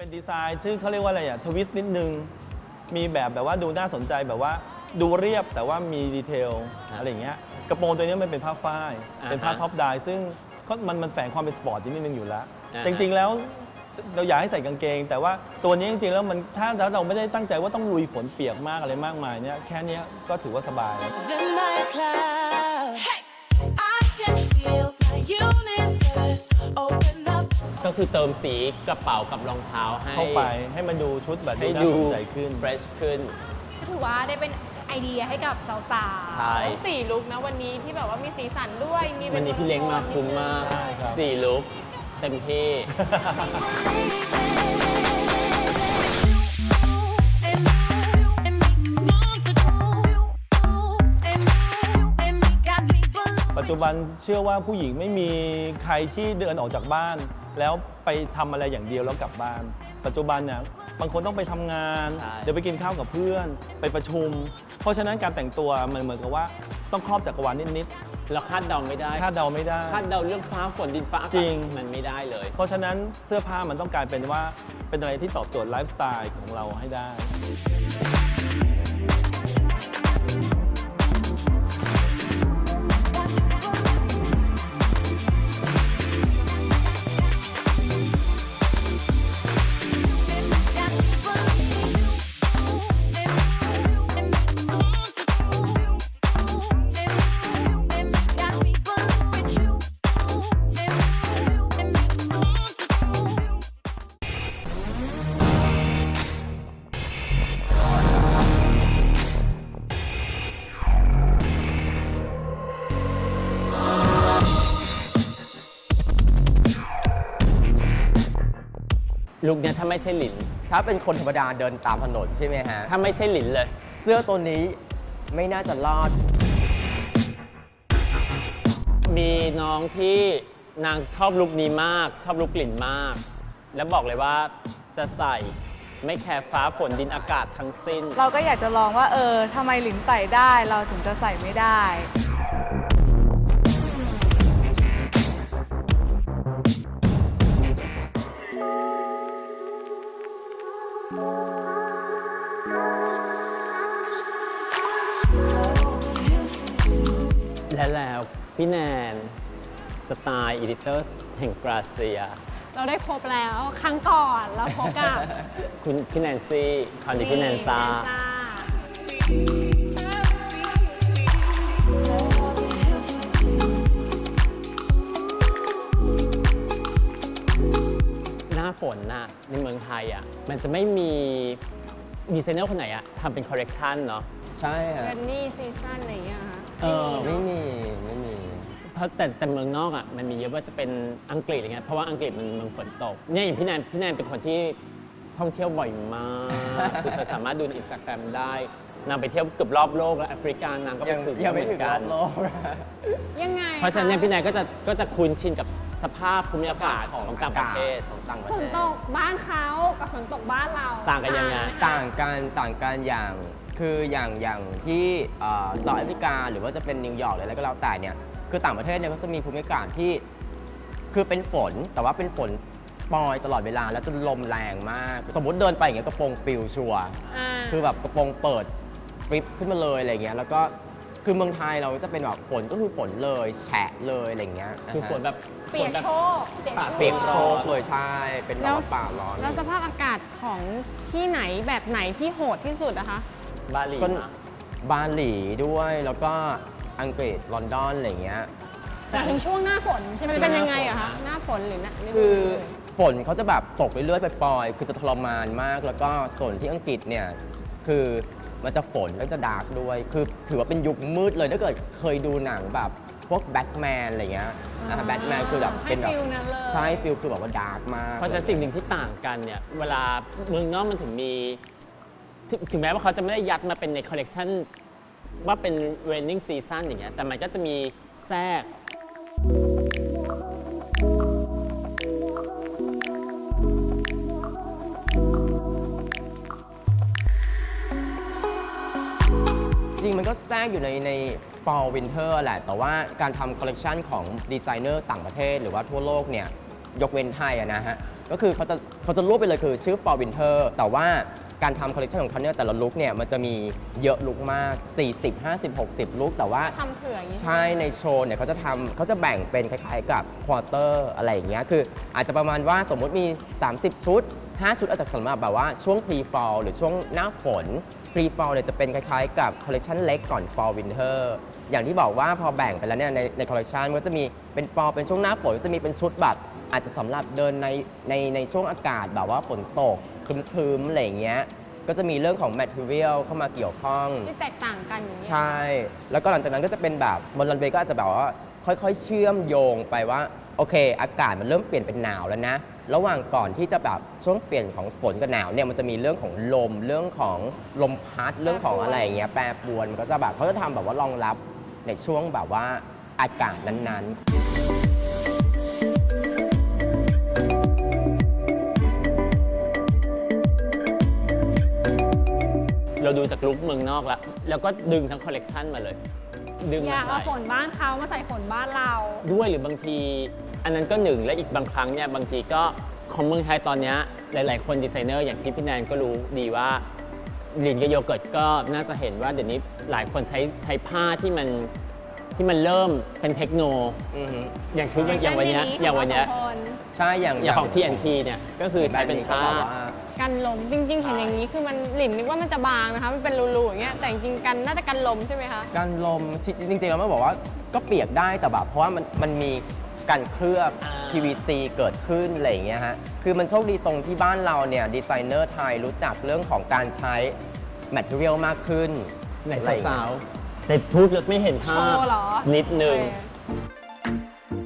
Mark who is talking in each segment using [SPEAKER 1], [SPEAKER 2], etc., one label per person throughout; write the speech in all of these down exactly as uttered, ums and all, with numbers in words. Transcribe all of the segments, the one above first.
[SPEAKER 1] เป็นดีไซน์ซึ่งเขาเรียกว่าอะไรอะทวิสต์นิดนึงมีแบบแบบว่าดูน่าสนใจแบบว่าดูเรียบแต่ว่ามีดีเทลอะไรอย่างเงี้ยกระโปรงตัวนี้มันเป็นผ้าฝ้ายเป็นผ้าท็อปไดซึ่งก็มันมันแฝงความเป็นสปอร์ตนิดนึงอยู่แล้วจริงๆแล้วเราอยากให้ใส่กางเกงแต่ว่าตัวนี้จริงๆแล้วมันถ้าเราไม่ได้ตั้งใจว่าต้องลุยฝนเปียกมากอะไรมากมายเนี่ยแค่นี้ก็ถือว่าสบายแล้ว
[SPEAKER 2] ก็คือเติมสีกระเป๋ากับรองเท้าให้
[SPEAKER 1] เข้าไปให้มันดูชุดแบบ
[SPEAKER 2] ให้
[SPEAKER 1] ดู
[SPEAKER 2] ดู
[SPEAKER 1] น่าสนใจขึ้น
[SPEAKER 2] fresh ขึ้น
[SPEAKER 3] ก็ถือว่าได้เป็นไอเดียให้กับสาวๆ
[SPEAKER 2] ใช่
[SPEAKER 3] ทั้งสี่ลุคนะวันนี้ที่แบบว่ามีสีสันด้วยมี
[SPEAKER 2] วันนี้พี่เล้งมาคุ้มมาก
[SPEAKER 1] ใช่ครับ
[SPEAKER 2] สี่ลุคเต็มที่
[SPEAKER 1] ปัจจุบันเชื่อว่าผู้หญิงไม่มีใครที่เดินออกจากบ้าน แล้วไปทำอะไรอย่างเดียวแล้วกลับบ้าน ปัจจุบันเนี่ยบางคนต้องไปทำงาน เดี๋ยวไปกินข้าวกับเพื่อนไปประชุม เพราะฉะนั้นการแต่งตัวมันเหมือนกับว่าต้องครอบจักรวาลนิด
[SPEAKER 2] เราคาดเดาไม่ได้
[SPEAKER 1] ๆคาดเดาไม่ได้
[SPEAKER 2] คาดเดาเรื่องฟ้าฝนดินฟ้าอากาศ
[SPEAKER 1] จริง
[SPEAKER 2] มันไม่ได้เลย
[SPEAKER 1] เพราะฉะนั้นเสื้อผ้ามันต้องกลายเป็นว่าเป็นอะไรที่ตอบโจทย์ไลฟ์สไตล์ของเราให้ได้
[SPEAKER 2] ลุคเนี้ยถ้าไม่ใช่หลิน
[SPEAKER 4] ถ้าเป็นคนธรรมดาเดินตามถนนใช่ไหมฮะ
[SPEAKER 2] ถ้าไม่ใช่หลินเลย
[SPEAKER 4] เสื้อตัวนี้ไม่น่าจะรอด
[SPEAKER 2] มีน้องที่นางชอบลุคนี้มาก ชอบลุคหลินมาก แล้วบอกเลยว่าจะใส่ไม่แคร์ฟ้าฝนดินอากาศทั้งสิ้น
[SPEAKER 5] เราก็อยากจะลองว่าเออทำไมหลินใส่ได้เราถึงจะใส่ไม่ได้
[SPEAKER 2] และแล้วพี่แนนสไตล์อีดิเตอร์แห่งกราเซีย
[SPEAKER 3] เราได้พบแล้วครั้งก่อนเราพบกับ
[SPEAKER 2] คุณพี่แนนซี่คราวนี้พี่แนนซ่า
[SPEAKER 3] แนนซ่า
[SPEAKER 2] หน้าฝนน่ะในเมืองไทยอ่ะมันจะไม่มีดีไซเนอร์คนไหนอ่ะทำเป็นคอลเลกชันเนาะ
[SPEAKER 4] ใช่ฮะ
[SPEAKER 3] เรนนี่ซีซั่นอะไรอย่างเงี้ยคะ
[SPEAKER 2] เออ
[SPEAKER 4] ไม่มีไม่มี
[SPEAKER 2] เพราะแต่แต่เมืองนอกอ่ะมันมีเยอะว่าจะเป็นอังกฤษอะไรเงี้ยเพราะว่าอังกฤษมันเมืองฝนตกเนี่ยอย่างพี่แนนพี่แนนเป็นคนที่ท่องเที่ยวบ่อยมากคือเธอสามารถดูในอินสตาแกรมได้นางไปเที่ยวเกือบรอบโลกแล้วแอฟริกานางก็ไป
[SPEAKER 4] ยัง
[SPEAKER 2] ถึง
[SPEAKER 4] ยังไม่
[SPEAKER 2] เห
[SPEAKER 4] ถึ
[SPEAKER 2] มื
[SPEAKER 4] ง
[SPEAKER 2] อน
[SPEAKER 4] ร
[SPEAKER 2] กั
[SPEAKER 4] อน บโลก
[SPEAKER 3] ยังไง
[SPEAKER 2] เพราะฉะนั้นเนี่ยพี่แนนก็จะก็จะคุ้นชินกับสภาพภูมิอากาศของต่างประเทศ
[SPEAKER 4] ของต่างประ
[SPEAKER 3] ฝ
[SPEAKER 4] เท
[SPEAKER 3] น
[SPEAKER 4] ศ
[SPEAKER 3] ตกบ้านเขากับฝนตกบ้านเรา
[SPEAKER 2] ต่างกันยังไง
[SPEAKER 4] ต่างกันต่างกันอย่างคืออย่างอย่างที่เอ่อสหรัฐอเมริกาหรือว่าจะเป็นนิวยอร์กหรืออะไรก็แล้วแต่เนี่ยคือต่างประเทศเนี่ยก็จะมีภูมิอากาศที่คือเป็นฝนแต่ว่าเป็นฝนปล่อยตลอดเวลาแล้วจะลมแรงมาก สมมติเดินไปอย่างเงี้ยกระโปรงปลิวชัวร์
[SPEAKER 3] า
[SPEAKER 4] คือแบบกระโปรงเปิดฟลิปขึ้นมาเลยอะไรเงี้ยแล้วก็คือเมืองไทยเราจะเป็นแบบฝนก็คือฝนเลยแฉะเลยอะไรเงี้ยะฮะ
[SPEAKER 2] คือฝนแบบ
[SPEAKER 3] เปียกโชกเปียก
[SPEAKER 4] เปียก
[SPEAKER 3] โช
[SPEAKER 4] โช
[SPEAKER 3] ก
[SPEAKER 4] กเลยใช่เป็นแบบว่าป่าร้อน
[SPEAKER 3] แล้วสภาพอากาศของที่ไหนแบบไหนที่โหดที่สุดนะคะ
[SPEAKER 2] บาหลี
[SPEAKER 4] ก็
[SPEAKER 2] มา
[SPEAKER 4] บาหลีด้วยแล้วก็อังกฤษลอนดอนอะไรเงี้ย
[SPEAKER 3] แต่ถึงช่วงหน้าฝนใช่ไหม
[SPEAKER 2] ช่วง
[SPEAKER 3] เป็นยังไงอะ
[SPEAKER 2] หน้า
[SPEAKER 3] คะ
[SPEAKER 2] ฝน
[SPEAKER 3] หน้าฝนหรือหน้าฤดู
[SPEAKER 4] คือ
[SPEAKER 3] อื่น
[SPEAKER 4] ฝนเขาจะแบบตกเรื่อยๆไปปล่อยๆคือจะทรมานมาก แล้วก็ส่วนที่อังกฤษเนี่ยคือมันจะฝนแล้วจะดาร์กด้วย คือถือว่าเป็นยุคมืดเลยถ้าเกิดเคยดูหนังแบบพวกแบทแมนอะไรเงี้ยนะแบทแมนคือแบบเป็นแบบ
[SPEAKER 3] ให้ฟิลนั้นเลย
[SPEAKER 4] ใช่ฟิลคือแบบว่าดาร์กมาก
[SPEAKER 2] เพราะฉะนั้นสิ่งหนึ่งที่ต่างกันเนี่ยเวลาเมืองนอกมันถึงมีถึงถึงแม้ว่าเขาจะไม่ได้ยัดมาเป็นในคอลเลกชันว่าเป็น raining season อย่างเงี้ยแต่มันก็จะมีแทรก
[SPEAKER 4] จริงมันก็แทรกอยู่ในใน fall winter แหละ แต่ว่าการทำคอลเลกชันของดีไซเนอร์ต่างประเทศหรือว่าทั่วโลกเนี่ยยกเว้นไทยอะนะฮะก็คือเขาจะเขาจะรวบไปเลยคือชื่อ Fall Winter แต่ว่าการทำคอลเลคชันของเขาเนี่ยแต่ละลุคเนี่ยมันจะมีเยอะลุคมาก สี่สิบ ห้าสิบ หกสิบ ลุคแต่ว่า
[SPEAKER 3] ทำเผื่ออย่างนี้
[SPEAKER 4] ใช่ในโชว์เนี่ยเขาจะทำเขาจะแบ่งเป็นคล้ายๆกับควอเตอร์อะไรอย่างเงี้ยคืออาจจะประมาณว่าสมมุติมี สามสิบ ชุด ห้า ชุดอาจจะสำหรับแบบว่าช่วง pre fall หรือช่วงหน้าฝน pre fall เนี่ยจะเป็นคล้ายๆกับคอลเลคชันเล็กก่อน fall winter อย่างที่บอกว่าพอแบ่งไปแล้วเนี่ยในในคอลเลคชันมันก็จะมีเป็น fall เป็นช่วงหน้าฝนก็จะมีเป็นชุดแบบอาจจะสำหรับเดินในในในช่วงอากาศแบบว่าฝนตกครึ้มๆอะไรอย่างเงี้ยก็จะมีเรื่องของ material เข้ามาเกี่ยวข้อง
[SPEAKER 3] ที่แตกต่างกันอย่างนี้ย
[SPEAKER 4] ใช่ แล้วก็หลังจากนั้นก็จะเป็นแบบบนรันเวย์ก็อาจจะแบบว่าค่อยๆ เชื่อมโยงไปว่าโอเค อากาศมันเริ่มเปลี่ยนเป็นหนาวแล้วนะ ระหว่างก่อนที่จะแบบช่วงเปลี่ยนของฝนกับหนาวเนี่ยมันจะมีเรื่องของลมเรื่องของลมพัดเรื่องของอะไรอย่างเงี้ยแปรปรวนมันก็จะแบบเขาจะทำแบบว่ารองรับในช่วงแบบว่าอากาศนั้นๆ
[SPEAKER 2] เราดูจากลุคเมืองนอกแล้ว แล้วก็ดึงทั้งคอลเลกชันมาเลย ดึง
[SPEAKER 3] อ
[SPEAKER 2] มาย
[SPEAKER 3] าก
[SPEAKER 2] ใส่
[SPEAKER 3] เอาฝนบ้านเขามาใส่ฝนบ้านเรา
[SPEAKER 2] ด้วยหรือบางที อันนั้นก็หนึ่งและอีกบางครั้งเนี่ยบางทีก็ของเมืองไทยตอนเนี้ยหลาย ๆ คนดีไซเนอร์อย่างที่พี่แนนก็รู้ดีว่าลินกับโยเกิร์ตก็น่าจะเห็นว่าเดี๋ยวนี้หลายคนใช้ใช้ผ้าที่มันที่มันเริ่มเป็นเทคโน
[SPEAKER 4] อือฮึ
[SPEAKER 2] อย่างชุดอย่างวันเนี้ยอย่างวันเนี้ย
[SPEAKER 4] ใช่อย่าง
[SPEAKER 2] อย่างของ ที เอ็น ที เนี่ยก็คือใช้เป็นผ้า
[SPEAKER 4] แบบก็แบบว่า
[SPEAKER 3] กันลมจริง ๆ เห็นอย่างนี้คือมันหลินนึกว่ามันจะบางนะคะ มันเป็นรูๆอย่างเงี้ยแต่จริงๆกันน่าจะกันลมใช่ไหมคะ
[SPEAKER 4] การลมจริงๆเราไม่บอกว่าก็เปียกได้แต่แบบเพราะว่ามันมันมีการเคลือบ
[SPEAKER 2] อ่า
[SPEAKER 4] พี วี ซี เกิดขึ้นอะไรอย่างเงี้ยฮะคือมันโชคดีตรงที่บ้านเราเนี่ยดีไซเนอร์ไทยรู้จักเรื่องของการใช้แมทเทียลมากขึ้น
[SPEAKER 2] ไหน
[SPEAKER 4] อะไรอย่ง
[SPEAKER 2] สา
[SPEAKER 4] เงี้ยว
[SPEAKER 2] ๆแต่พูดแล้วไม่เห็นภาพ
[SPEAKER 3] โชว์เหรอ
[SPEAKER 2] นิดนึง
[SPEAKER 3] โอเค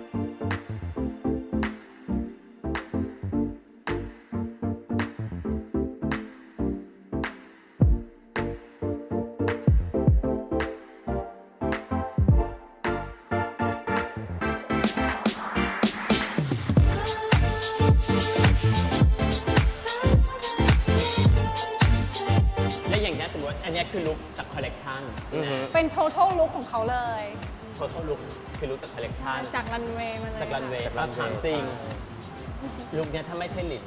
[SPEAKER 2] และอย่างนี้ยสมมติอันเนี้ยคือลุคจากคอลเลกชัน
[SPEAKER 4] อือฮึ
[SPEAKER 3] เป็น total look ของเขาเลย
[SPEAKER 2] โททอลลุคคือลุคจากคอลเลกชัน
[SPEAKER 3] จากรันเวย์มาเลย
[SPEAKER 2] จากรันเวย์
[SPEAKER 4] จากรั
[SPEAKER 2] เรา
[SPEAKER 4] นเวย์
[SPEAKER 2] ถามจริง ลุคเนี้ยถ้าไม่ใช่หลิน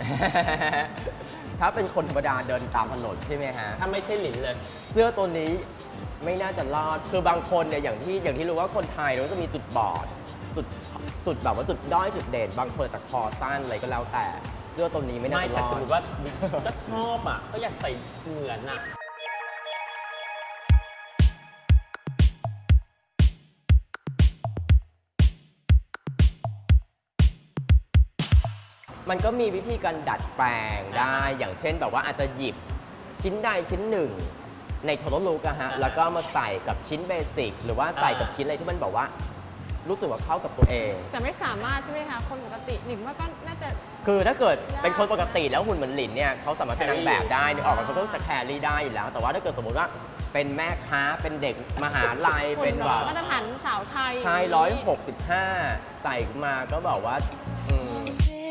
[SPEAKER 4] ถ้าเป็นคนธรรมดาเดินตามถนนใช่ไหมฮะ
[SPEAKER 2] ถ้าไม่ใช่หลินเลย
[SPEAKER 4] เสื้อตัวนี้ไม่น่าจะรอด คือบางคนเนี่ยอย่างที่อย่างที่รู้ว่าคนไทยเราก็จะมีจุดบอด จุดจุดแบบว่าจุดด้อยจุดเด่น บางคนจากคอสั้นอะไรก็แล้วแต่ เสื้อตัวนี้ไม่น่า
[SPEAKER 2] ไม่
[SPEAKER 4] จะร
[SPEAKER 2] แต่
[SPEAKER 4] อ
[SPEAKER 2] สม
[SPEAKER 4] ด
[SPEAKER 2] มติว่าก็ชอบอ่ะ ก็อยากใส่เหมือนอ่ะ
[SPEAKER 4] มันก็มีวิธีการดัดแปลงได้ อย่างเช่นแบบว่าอาจจะหยิบชิ้นใดชิ้นหนึ่งในโทโลลูกอะฮะ
[SPEAKER 2] อ่า
[SPEAKER 4] แล้วก็มาใส่กับชิ้นเบสิก หรือว่าใส่กับ
[SPEAKER 2] อ่า
[SPEAKER 4] ชิ้นอะไรที่มันแบบว่า รู้สึกว่าเข้ากับตัวเอง
[SPEAKER 3] แต่ไม่สามารถใช่ไหมคะ คนปกติหลินว่าก็น่าจะ
[SPEAKER 4] คือถ้าเกิด
[SPEAKER 3] ยาก
[SPEAKER 4] เป็นคนปกติแล้วหุ่นเหมือนหลินเนี่ยเขาสามารถเป็นนางแบบได้นึกออกไหมเขาก็จะแครี่ได้อยู่แล้ว แต่ว่าถ้าเกิดสมมติว่าเป็นแม่ค้าเป็นเด็กมหาลัย
[SPEAKER 3] คน
[SPEAKER 4] เป็นแบบ
[SPEAKER 3] มาตรฐานสาวไทย
[SPEAKER 4] ชายร้อยหกสิบห้าใส่มาก็บอกว่าอืม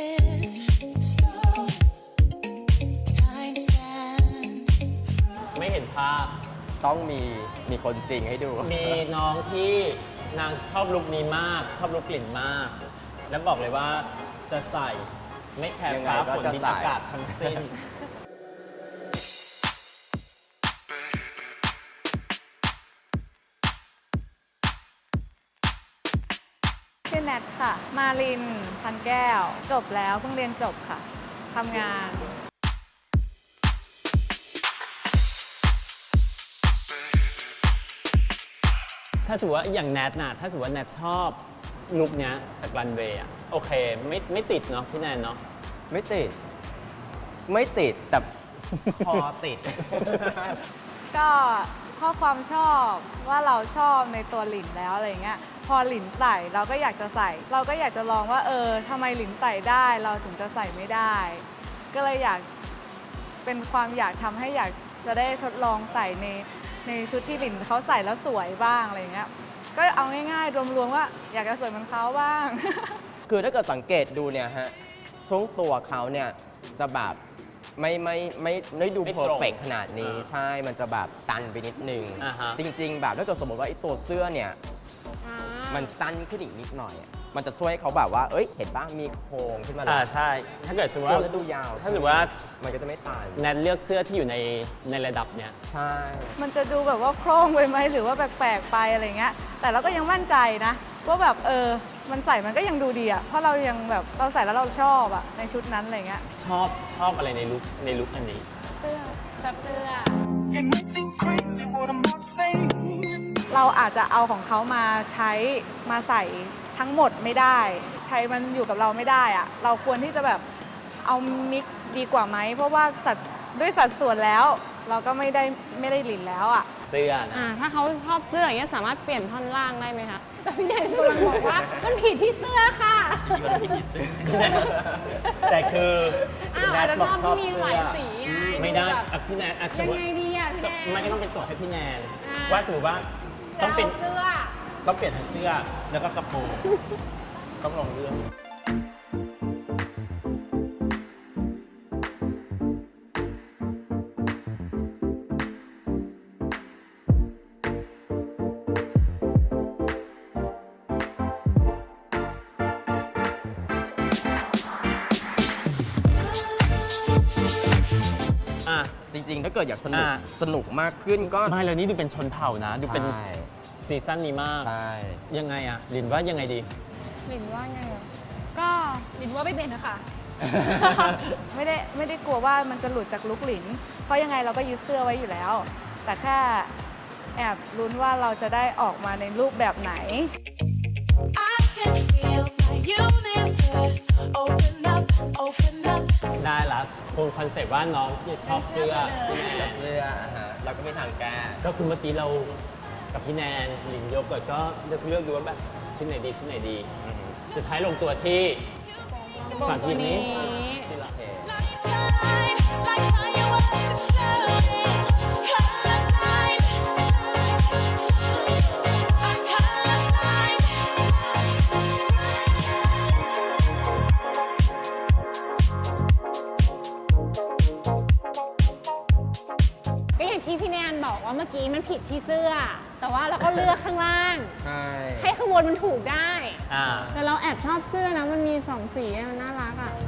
[SPEAKER 2] ไม่เห็นภาพ
[SPEAKER 4] ต้องมีมีคนจริงให้ดู
[SPEAKER 2] มีน้องที่นางชอบลุคนี้มาก ชอบลุคกลิ่นมาก แล้วบอกเลยว่าจะใส่ไม่แคร์
[SPEAKER 4] ยังไง
[SPEAKER 2] ฟ้า
[SPEAKER 4] ก็
[SPEAKER 2] ฝน
[SPEAKER 4] จะ
[SPEAKER 2] ดิน
[SPEAKER 4] ใส่
[SPEAKER 2] อากาศทั้งสิ้น
[SPEAKER 5] ชื่อแนทค่ะ มาลินพันแก้ว จบแล้วเพิ่งเรียนจบค่ะทำงาน
[SPEAKER 2] ถ้าสมมติว่าอย่างแนทน่ะถ้าสมมติว่าแนทชอบลุคเนี้ยจากรันเวย์อะโอเค ไม่ไม่ติดเนาะพี่แนนเนาะ
[SPEAKER 4] ไม่ติด ไม่ติด แต่คอติด
[SPEAKER 5] ก็เพราะความชอบว่าเราชอบในตัวหลินแล้วอะไรเงี้ยพอหลินใส่เราก็อยากจะใส่ เราก็อยากจะลองว่าเออทำไมหลินใส่ได้เราถึงจะใส่ไม่ได้ ก็เลยอยากเป็นความอยากทำให้อยากจะได้ทดลองใส่ในในชุดที่หลินเขาใส่แล้วสวยบ้างอะไรเงี้ยก็เอาง่ายๆรวมๆว่าอยากจะสวยเหมือนเขาบ้าง
[SPEAKER 4] คือถ้าเกิดสังเกตดูเนี่ยฮะช่วงตัวเขาเนี่ยจะแบบไม่ไม่ไม่ไม่ดู
[SPEAKER 2] ไม่
[SPEAKER 4] เพ
[SPEAKER 2] ตรง
[SPEAKER 4] อร์เฟกขนาดนี้
[SPEAKER 2] อ่า
[SPEAKER 4] ใช่มันจะแบบตันไปนิดนึง
[SPEAKER 2] อ่าฮะ
[SPEAKER 4] จริง ๆ แบบถ้าเกิดสมมติว่าไอ้ตัวเสื้อเนี่ย
[SPEAKER 3] อ่า
[SPEAKER 4] มันสั้นขึ้นอีกนิดหน่อยอะมันจะช่วยให้เขาแบบว่า เอ้ย เห็นป่ะมีโครงขึ้นมาเล
[SPEAKER 2] อ่าย ใช่ ถ้าเกิดสมมติ
[SPEAKER 4] โครง
[SPEAKER 2] ว่า
[SPEAKER 4] แล้วดูยาว
[SPEAKER 2] ถ้าสมมติว่า
[SPEAKER 4] มันก็จะไม่ตัน
[SPEAKER 2] แนทเลือกเสื้อที่อยู่ในในระดับเนี้ย
[SPEAKER 4] ใช่
[SPEAKER 5] มันจะดูแบบว่าโคร่งไปไหมหรือว่าแปลกๆไปอะไรเงี้ย แต่เราก็ยังมั่นใจนะว่าแบบเออ มันใส่มันก็ยังดูดีอะเพราะเรายังแบบเราใส่แล้วเราชอบอะในชุดนั้นอะไรเงี้ย
[SPEAKER 2] ชอบชอบอะไรในลุคในลุคอันนี้
[SPEAKER 3] เสื้อแบบเสื้อ
[SPEAKER 6] It may seem crazy what I'm about to say.
[SPEAKER 5] เราอาจจะเอาของเขามาใช้มาใส่ทั้งหมดไม่ได้ ใช้มันอยู่กับเราไม่ได้อะเราควรที่จะแบบเอามิกซ์ดีกว่าไหม เพราะว่าสัดด้วยสัดส่วนแล้ว เราก็ไม่ได้ไม่ได้หลินแล้วอะ
[SPEAKER 2] เสื้อนะ
[SPEAKER 3] อ่าถ้าเขาชอบเสื้ออย่างเงี้ยสามารถเปลี่ยนท่อนล่างได้ไหมคะ แต่พี่แนนกำลังบอกว่ามันผิดที่เสื้อค่ะ
[SPEAKER 2] แต่คือ
[SPEAKER 3] อ้าว
[SPEAKER 2] แน
[SPEAKER 3] อาจ
[SPEAKER 2] ท
[SPEAKER 3] จะ
[SPEAKER 2] บอก
[SPEAKER 3] ชอบ
[SPEAKER 2] ชอบ
[SPEAKER 3] ที่มี
[SPEAKER 2] เสื้
[SPEAKER 3] หลาย
[SPEAKER 2] อ
[SPEAKER 3] สีไง
[SPEAKER 2] ไม่ได้
[SPEAKER 3] แบบ
[SPEAKER 2] อ่ะพี่แนนอ่ะส
[SPEAKER 3] ยั
[SPEAKER 2] ม
[SPEAKER 3] ง
[SPEAKER 2] มติ
[SPEAKER 3] ไงดีอ่ะพี่แนน
[SPEAKER 2] มันก็ต้องเป็นโจทย์ให้พี่แนน
[SPEAKER 3] อ่า
[SPEAKER 2] ว่าสมมติว่า
[SPEAKER 3] จะ
[SPEAKER 2] ต้อง
[SPEAKER 3] เอา
[SPEAKER 2] เป็น
[SPEAKER 3] เสื้อ
[SPEAKER 2] ต้องเปลี่ยนทั้งเสื้อแล้วก็กระโปรง ต้องลองเรื่อง อ่ะ
[SPEAKER 4] จริงๆ ถ้าเกิดอยากสนุก
[SPEAKER 2] อ่า
[SPEAKER 4] สนุกมากขึ้นก็
[SPEAKER 2] ไม่แล้วนี่ดูเป็นชนเผ่านะ ดูเป็น
[SPEAKER 4] ใช่
[SPEAKER 2] ซีซั่นนี้มาก
[SPEAKER 4] ใช่
[SPEAKER 2] ยังไงอ่ะลินว่ายังไงดี
[SPEAKER 3] หลินว่าไงอ่ะก็หลินว่าไม่เป็นนะคะ
[SPEAKER 5] ไม่ได้ไม่ได้กลัวว่ามันจะหลุดจากลุกหลิน เพราะยังไงเราก็ยึดเสื้อไว้อยู่แล้ว แต่แค่แอบลุ้นว่าเราจะได้ออกมาในรูปแบบไหน
[SPEAKER 6] I can feel my universe open up, open up.
[SPEAKER 2] ได้ละคงคอนเซ็ปต์ว่าน้องเนี่ยชอบเสื้อพี่แนน
[SPEAKER 4] เสื้ออ่ะฮะเราก็ไม่ทางแก้
[SPEAKER 2] ก็คือเมื่อกี้เรากับพี่แนนหลินโยกก่อนก็เลือกเลือกดูว่าแบบชิ้นไหนดีชิ้นไหนดี สุดท้ายลงตัวที่
[SPEAKER 3] กระโปรงตัวนี้
[SPEAKER 2] ที่รัก
[SPEAKER 6] Lights shine like fireworks exploding. Color blind. I'm color blind.
[SPEAKER 3] ก็อย่างที่พี่แนนบอกว่าเมื่อกี้มันผิดที่เสื้อ แต่ว่าเราก็เลือกข้างล่าง
[SPEAKER 4] ใช่
[SPEAKER 3] ให้ข้างบนมันถูกได้
[SPEAKER 2] อ่า
[SPEAKER 3] แต่เราแอบชอบเสื้อนะ มันมีสองสีอะมันน่ารักอ่ะ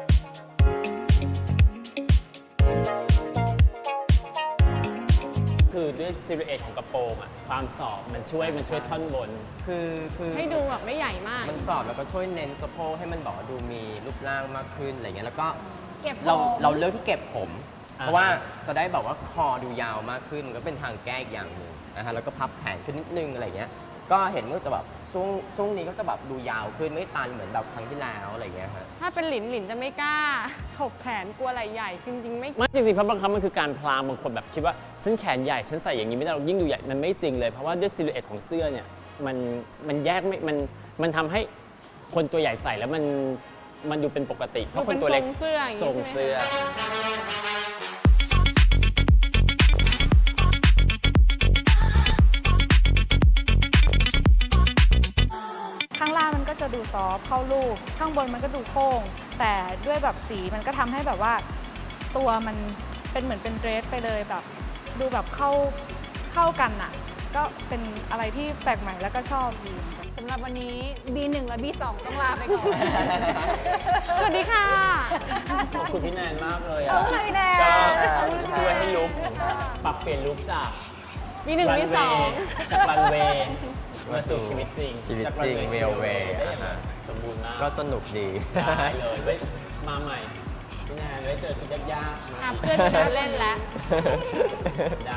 [SPEAKER 2] คือด้วยซิลูเอทของกระโปรงอะความสอบมันช่วยมันช่วยท่อนบน
[SPEAKER 4] คือคือ
[SPEAKER 3] ให้ดูแบบไม่ใหญ่มาก
[SPEAKER 4] มันสอบแล้วก็ช่วยเน้นสะโพกให้มันบอกว่าดูมีรูปร่างมากขึ้นอะไรเงี้ย แล้วก็
[SPEAKER 3] เก็บ
[SPEAKER 4] เรา
[SPEAKER 3] ผม
[SPEAKER 4] เราเลือกที่เก็บผม
[SPEAKER 2] อ่า
[SPEAKER 4] เพราะว่าจะได้แบบว่าคอดูยาวมากขึ้นมันก็เป็นทางแก้อีกอย่างหนึ่งนะฮะ แล้วก็พับแขนขึ้นนิดนึงอะไรเงี้ย ก็เห็นว่าจะแบบช่วงช่วงนี้ก็จะแบบดูยาวขึ้นไม่ตันเหมือนแบบครั้งที่แล้วอะไรเงี้ยฮะ
[SPEAKER 3] ถ้าเป็นหลินหลินจะไม่กล้า ถกแขนกลัวไหล่ใหญ่คือจริงๆไม่
[SPEAKER 2] ไม่จริงๆเพราะบางครั้งมันคือการพลางบางคนแบบคิดว่าฉันแขนใหญ่ฉันใส่อย่างนี้ไม่ได้เรายิ่งดูใหญ่มันไม่จริงเลย เพราะว่าด้วยซิลูเอทของเสื้อเนี่ยมันมันแยกไม่มันมันทำให้คนตัวใหญ่ใส่แล้วมันมันดูเป็นปกติเพราะคนตัวเล็ก
[SPEAKER 3] ดูเป็นทรงเสื้ออย่างนี้
[SPEAKER 2] ทรง
[SPEAKER 3] ใช่ไหม
[SPEAKER 2] เสื้อ
[SPEAKER 5] ข้างล่างมันก็จะดูซอฟต์เข้ารูป ข้างบนมันก็ดูโค้ง แต่ด้วยแบบสีมันก็ทำให้แบบว่าตัวมันเป็นเหมือนเป็นเดรสไปเลยแบบ ดูแบบเข้าเข้ากันอ่ะ ก็เป็นอะไรที่แปลกใหม่แล้วก็ชอบดีเหมือนกัน
[SPEAKER 3] สำหรับวันนี้ บี หนึ่ง และ บี สอง ต้องลาไปก่อน สวัสดีค่ะ
[SPEAKER 2] ขอบคุณพี่แนนมากเลยอ่ะ
[SPEAKER 3] ขอบคุณพี่แนน
[SPEAKER 2] ก็
[SPEAKER 3] ขอบคุณค่ะ
[SPEAKER 2] ช่วยให้ลุกปรับเปลี่ยนลุกจาก
[SPEAKER 3] บี หนึ่ง บี สอง
[SPEAKER 2] จากรันเวย์มาสู่ชีวิตจริง
[SPEAKER 4] ชีวิต
[SPEAKER 2] จาก
[SPEAKER 4] จริง
[SPEAKER 2] น
[SPEAKER 4] เวลเวย์
[SPEAKER 2] ได้
[SPEAKER 4] อ่าฮะ
[SPEAKER 2] สมบูรณ์มาก
[SPEAKER 4] ก็สนุกดี
[SPEAKER 2] ได้เลยไว้มาใหม่ พี่แนนไว้เจอชุดยากๆมา
[SPEAKER 3] หาเพื่อนมาเล่นแล้ว
[SPEAKER 2] ได้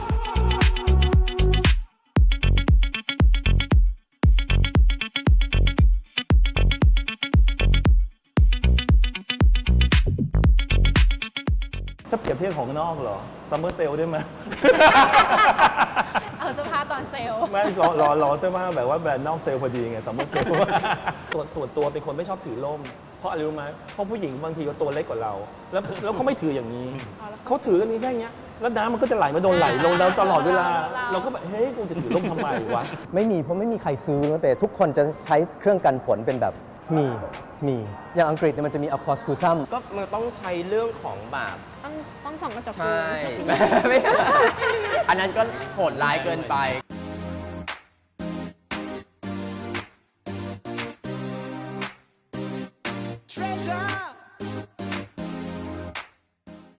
[SPEAKER 1] ถ้าเปรียบเทียบของนอกเหรอซัมเมอร์เซลได้ไหม
[SPEAKER 3] เอาเสื้อผ้าตอนเซลล์
[SPEAKER 1] ไม่รอรอรอเสื้อผ้าแบบว่าแบรนด์นอกเซลล์พอดีไงซัมเมอร์เซลล์ ส่วนส่วนตัวเป็นคนไม่ชอบถือร่ม เพราะอะไรรู้ไหมเพราะผู้หญิงบางทีก็ตัวเล็กกว่าเรา แล้วแล้วเขาไม่ถืออย่างนี้ เขาถือกันนี้แค่เนี้ยแล้วน้ำมันก็จะไหลมาโดนไหลลงเราตลอดเวลา เราก็แบบเฮ้ยกูจะถือร่มทำไมวะ
[SPEAKER 7] ไม่มีเพราะไม่มีใครซื้อนะแต่ทุกคนจะใช้เครื่องกันฝนเป็นแบบมีมีอย่างอังกฤษเนี่ยมันจะมีอะคอสคูทัม
[SPEAKER 4] ก็มันต้องใช้เรื่องของแบบ
[SPEAKER 3] ต้องต้องส่องกระจก
[SPEAKER 4] ใช่
[SPEAKER 3] ดู
[SPEAKER 4] ไม่อันนั้นก็โหดร้ายเกินไป